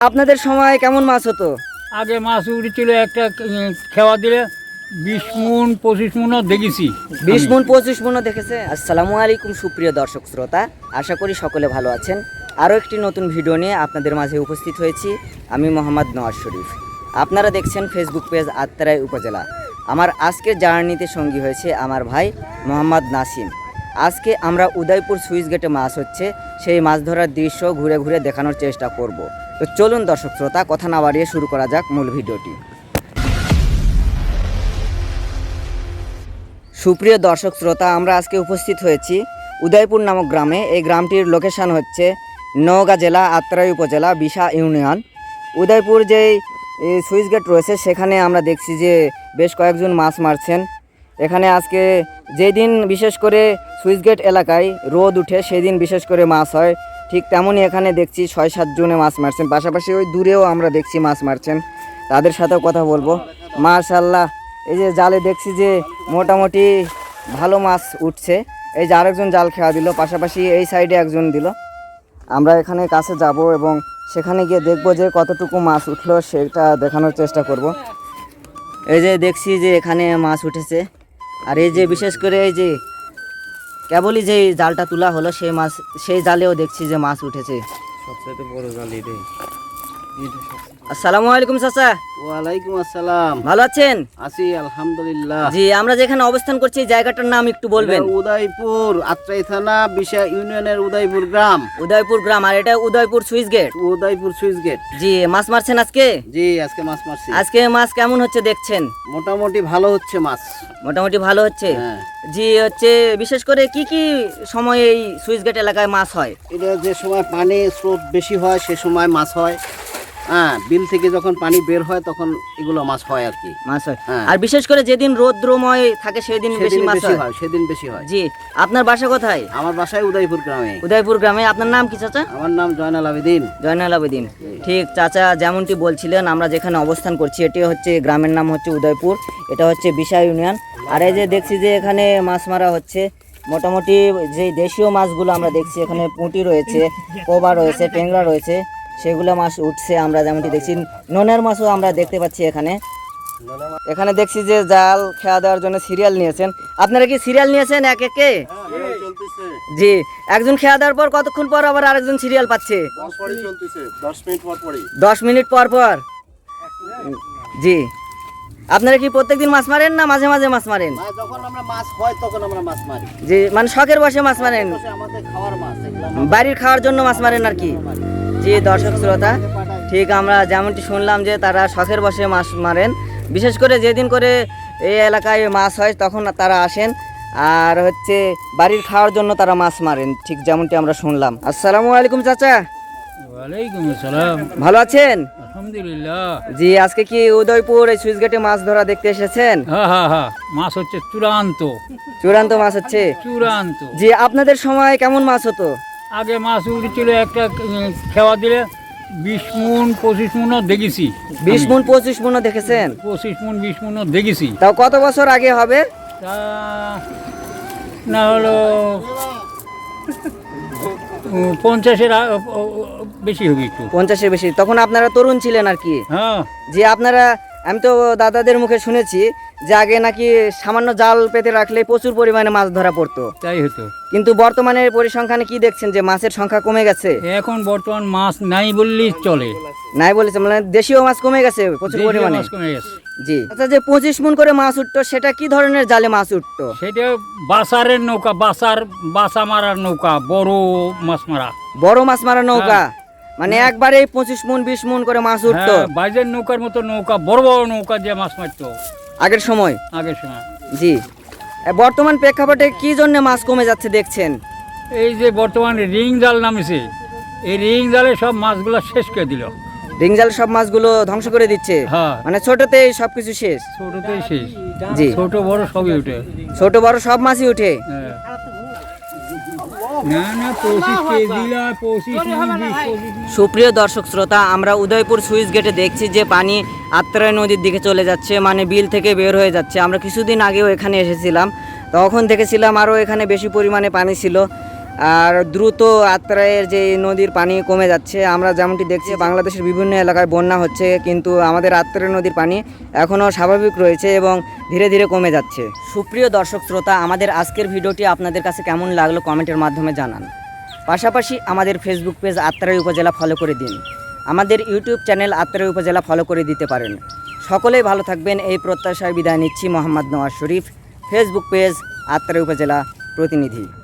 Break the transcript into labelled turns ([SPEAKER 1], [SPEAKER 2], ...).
[SPEAKER 1] আপনাদের সময় কেমন মাছ হতো?
[SPEAKER 2] আগে মাছ উঠেছিল একটা খেওয়া দিলে 20 মণ 25 মণও দেখেছি।
[SPEAKER 1] 20 মণ 25 মণও দেখেছে। আসসালামু আলাইকুম সুপ্রিয় দর্শক শ্রোতা, আশা করি সকলে ভালো আছেন। আরও একটি নতুন ভিডিও নিয়ে আপনাদের মাঝে উপস্থিত হয়েছি। আমি মোহাম্মদ নওয়াজ শরীফ। আপনারা দেখছেন ফেসবুক পেজ আত্রাই উপজেলা। আমার আজকের জার্নিতে সঙ্গী হয়েছে আমার ভাই মোহাম্মদ নাসিম। আজকে আমরা উদয়পুর সুইচ গেটে মাছ হচ্ছে সেই মাছ ধরার দৃশ্য ঘুরে ঘুরে দেখানোর চেষ্টা করব। তো চলুন দর্শক শ্রোতা, কথা না বাড়িয়ে শুরু করা যাক মূল ভিডিওটি। সুপ্রিয় দর্শক শ্রোতা, আমরা আজকে উপস্থিত হয়েছি উদয়পুর নামক গ্রামে। এই গ্রামটির লোকেশন হচ্ছে নওগাঁ জেলা আত্রাই উপজেলা বিশা ইউনিয়ন। উদয়পুর যেই সুইচ গেট রয়েছে সেখানে আমরা দেখছি যে বেশ কয়েকজন মাছ মারছেন। এখানে আজকে যেই দিন বিশেষ করে সুইচ গেট এলাকায় রোদ উঠে সেই দিন বিশেষ করে মাছ হয়, ঠিক তেমনই এখানে দেখছি 6-7 জনে মাছ মারছেন। পাশাপাশি ওই দূরেও আমরা দেখছি মাছ মারছেন, তাদের সাথেও কথা বলবো। মাশাআল্লাহ, এই যে জালে দেখছি যে মোটামুটি ভালো মাছ উঠছে। এই যে আরেকজন জাল খেয়া দিল, পাশাপাশি এই সাইডে একজন দিল। আমরা এখানে কাছে যাব এবং সেখানে গিয়ে দেখব যে কতটুকু মাছ উঠলো সেটা দেখানোর চেষ্টা করব। এই যে দেখছি যে এখানে মাছ উঠেছে, আর এই যে বিশেষ করে এই যে কেবলই যে জালটা তোলা হলো সেই জালেও দেখছি যে মাছ উঠেছে।
[SPEAKER 3] সবচেয়ে বড় জাল এটাই।
[SPEAKER 1] আসসালামু আলাইকুম চাচা।
[SPEAKER 3] ওয়ালাইকুম আসসালাম।
[SPEAKER 1] ভালো আছেন?
[SPEAKER 3] আছি আলহামদুলিল্লাহ।
[SPEAKER 1] জি, আমরা যেখানে অবস্থান করছি এই জায়গাটার নাম একটু বলবেন?
[SPEAKER 3] উদয়পুর আত্রাই থানা বিশা ইউনিয়নের উদয়পুর গ্রাম।
[SPEAKER 1] উদয়পুর গ্রাম, আর এটা Udaypur switch gate.
[SPEAKER 3] Udaypur switch gate.
[SPEAKER 1] জি, মাছ মারছেন আজকে?
[SPEAKER 3] জি, আজকে মাছ মারছি।
[SPEAKER 1] আজকে মাছ কেমন হচ্ছে দেখছেন?
[SPEAKER 3] মোটামুটি ভালো হচ্ছে মাছ।
[SPEAKER 1] মোটামুটি ভালো হচ্ছে।
[SPEAKER 3] হ্যাঁ।
[SPEAKER 1] জি, হচ্ছে বিশেষ করে কি কি সময়ে এই সুইচ গেট এলাকায় মাছ হয়?
[SPEAKER 3] এটা যে সময় পানি স্রোত বেশি হয় সে সময় মাছ হয়। হ্যাঁ, বিল থেকে যখন পানি বের হয় তখন এগুলো মাছ হয় আর কি।
[SPEAKER 1] মাছ হয়।
[SPEAKER 3] হ্যাঁ।
[SPEAKER 1] আর বিশেষ করে যেদিন রৌদ্রময় থাকে সেদিন বেশি
[SPEAKER 3] সেদিন
[SPEAKER 1] মাছ
[SPEAKER 3] বেশি
[SPEAKER 1] হয়।
[SPEAKER 3] হয়, সেদিন বেশি হয়।
[SPEAKER 1] জি, আপনার বাসা কোথায়?
[SPEAKER 3] আমার বাসায় উদয়পুর গ্রামে।
[SPEAKER 1] উদয়পুর গ্রামে। আপনার নাম কি চাচা?
[SPEAKER 3] আমার নাম জয়নাল আবেদিন।
[SPEAKER 1] জয়নাল আবেদিন। ঠিক চাচা যেমনটি বলছিলেন, আমরা যেখানে অবস্থান করছি এটি হচ্ছে গ্রামের নাম হচ্ছে উদয়পুর, এটা হচ্ছে বিশা ইউনিয়ন। আর এই যে দেখছি যে এখানে মাছ মারা হচ্ছে। মোটামুটি যে দেশীয় মাছগুলো আমরা দেখছি, এখানে পুঁটি রয়েছে, কোবা রয়েছে, ট্যাংরা রয়েছে, সেগুলো মাছ উঠছে। আমরা যেমনটি দেখছি নোনের মাছও আমরা দেখতে পাচ্ছি এখানে। এখানে দেখছি যে জাল খেয়া দেওয়ার জন্য সিরিয়াল নিয়েছেন। আপনারা কি সিরিয়াল নিয়েছেন এক একে? জি, একজন খেয়া দেওয়ার পর কতক্ষণ পর আবার আরেকজন সিরিয়াল পাচ্ছে? 10 মিনিট পর পর। জি, আপনারা কি প্রত্যেকদিন মাছ মারেন না মাঝে মাঝে মাছ মারেন?
[SPEAKER 3] যখন আমরা মাছ হয় তখন আমরা মাছ মারি।
[SPEAKER 1] জি, মানে শখের বসে মাছ মারেন,
[SPEAKER 3] আমাদের খাওয়ার মাছ,
[SPEAKER 1] বাড়ির খাওয়ার জন্য মাছ মারেন আর কি। জি দর্শক শ্রোতা, ঠিক আমরা যেমনটি শুনলাম যে তারা শখের বসে মাছ মারেন। বিশেষ করে যেদিন করে এই এলাকায় মাছ হয় তখন তারা আসেন, আর হচ্ছে বাড়ির খাওয়ার জন্য তারা মাছ মারেন, ঠিক যেমনটি আমরা শুনলাম। আসসালামু আলাইকুম চাচা।
[SPEAKER 2] ওয়ালাইকুম আসসালাম।
[SPEAKER 1] ভালো আছেন?
[SPEAKER 2] আলহামদুলিল্লাহ।
[SPEAKER 1] জি, আজকে কি উদয়পুর এই সুইচ গেটে মাছ ধরা দেখতে এসেছেন?
[SPEAKER 2] হ্যাঁ হ্যাঁ হ্যাঁ, মাছ হচ্ছে চূড়ান্ত।
[SPEAKER 1] চূড়ান্ত মাছ হচ্ছে?
[SPEAKER 2] চূড়ান্ত।
[SPEAKER 1] জি, আপনাদের সময় কেমন মাছ হতো?
[SPEAKER 2] আগে মাছ উঠেছিল একটা খেওয়া দিলে 20 মণ 25 মণও দেখেছি।
[SPEAKER 1] 20 মণ 25 মণও দেখেছেন?
[SPEAKER 2] 25 মণ 20 মণও দেখেছি।
[SPEAKER 1] তাও কত বছর আগে হবে?
[SPEAKER 2] তা না হলো 50-এর বেশি হবে একটু।
[SPEAKER 1] 50-এর বেশি। তখন আপনারা তরুণ ছিলেন আর কি।
[SPEAKER 2] হ্যাঁ।
[SPEAKER 1] যে আপনারা, আমি তো দাদাদের মুখে শুনেছি যে আগে নাকি সামান্য জাল পেতে রাখলে প্রচুর পরিমাণে মাছ ধরা পড়তো,
[SPEAKER 2] তাই হতো।
[SPEAKER 1] কিন্তু বর্তমানে পরিসংখ্যানে কি দেখছেন যে মাছের সংখ্যা কমে গেছে?
[SPEAKER 2] এখন বর্তমান মাছ নাই বললেই চলে।
[SPEAKER 1] নাই বলেছে, মানে দেশীয় মাছ কমে গেছে প্রচুর
[SPEAKER 2] দেশীয়
[SPEAKER 1] পরিমাণে।
[SPEAKER 2] মাছ কমে গেছে।
[SPEAKER 1] জি, আচ্ছা, যে 25 মণ করে মাছ উঠতো সেটা কি ধরনের জালে মাছ উঠতো?
[SPEAKER 2] সেটা বাসারের নৌকা, বাসা মারার নৌকা, বড় মাছ মারা।
[SPEAKER 1] বড় মাছ মারা নৌকা, মানে একবারে 25 মণ 20 মণ করে মাছ উঠতো?
[SPEAKER 2] হ্যাঁ, বাইরের নৌকার মতো নৌকা, বড় বড় নৌকা দিয়ে মাছ মারতো
[SPEAKER 1] আগের সময়।
[SPEAKER 2] আগের সময়।
[SPEAKER 1] জি, বর্তমান প্রেক্ষাপটে কি জন্য মাছ কমে যাচ্ছে দেখছেন?
[SPEAKER 2] এই যে বর্তমানে রিং জাল নামেছে, এই রিং জালে সব মাছগুলো শেষ করে দিল।
[SPEAKER 1] রিং জাল সব মাছগুলো ধ্বংস করে দিচ্ছে।
[SPEAKER 2] হ্যাঁ,
[SPEAKER 1] মানে ছোটতেই সবকিছু শেষ।
[SPEAKER 2] ছোটতেই শেষ।
[SPEAKER 1] জি,
[SPEAKER 2] ছোট বড় সবই উঠে।
[SPEAKER 1] ছোট বড় সব মাছই উঠে।
[SPEAKER 2] হ্যাঁ। না না, 25 কেজি না, 25 মণ, 20 মণ।
[SPEAKER 1] সুপ্রিয় দর্শক শ্রোতা, আমরা উদয়পুর সুইচ গেটে দেখছি যে পানি আত্রাই নদীর দিকে চলে যাচ্ছে, মানে বিল থেকে বের হয়ে যাচ্ছে। আমরা কিছুদিন আগেও এখানে এসেছিলাম, তখন দেখেছিলাম আরও এখানে বেশি পরিমাণে পানি ছিল। আর দ্রুত আত্রাইয়ের যে নদীর পানি কমে যাচ্ছে। আমরা যেমনটি দেখছি বাংলাদেশের বিভিন্ন এলাকায় বন্যা হচ্ছে, কিন্তু আমাদের আত্রাই নদীর পানি এখনও স্বাভাবিক রয়েছে এবং ধীরে ধীরে কমে যাচ্ছে। সুপ্রিয় দর্শক শ্রোতা, আমাদের আজকের ভিডিওটি আপনাদের কাছে কেমন লাগলো কমেন্টের মাধ্যমে জানান। পাশাপাশি আমাদের ফেসবুক পেজ আত্রাই উপজেলা ফলো করে দিন। আমাদের ইউটিউব চ্যানেল আত্রাই উপজেলা ফলো করে দিতে পারেন। সকলেই ভালো থাকবেন এই প্রত্যাশায় বিদায় নিচ্ছি। মোহাম্মদ নওয়াজ শরীফ, ফেসবুক পেজ আত্রাই উপজেলা প্রতিনিধি।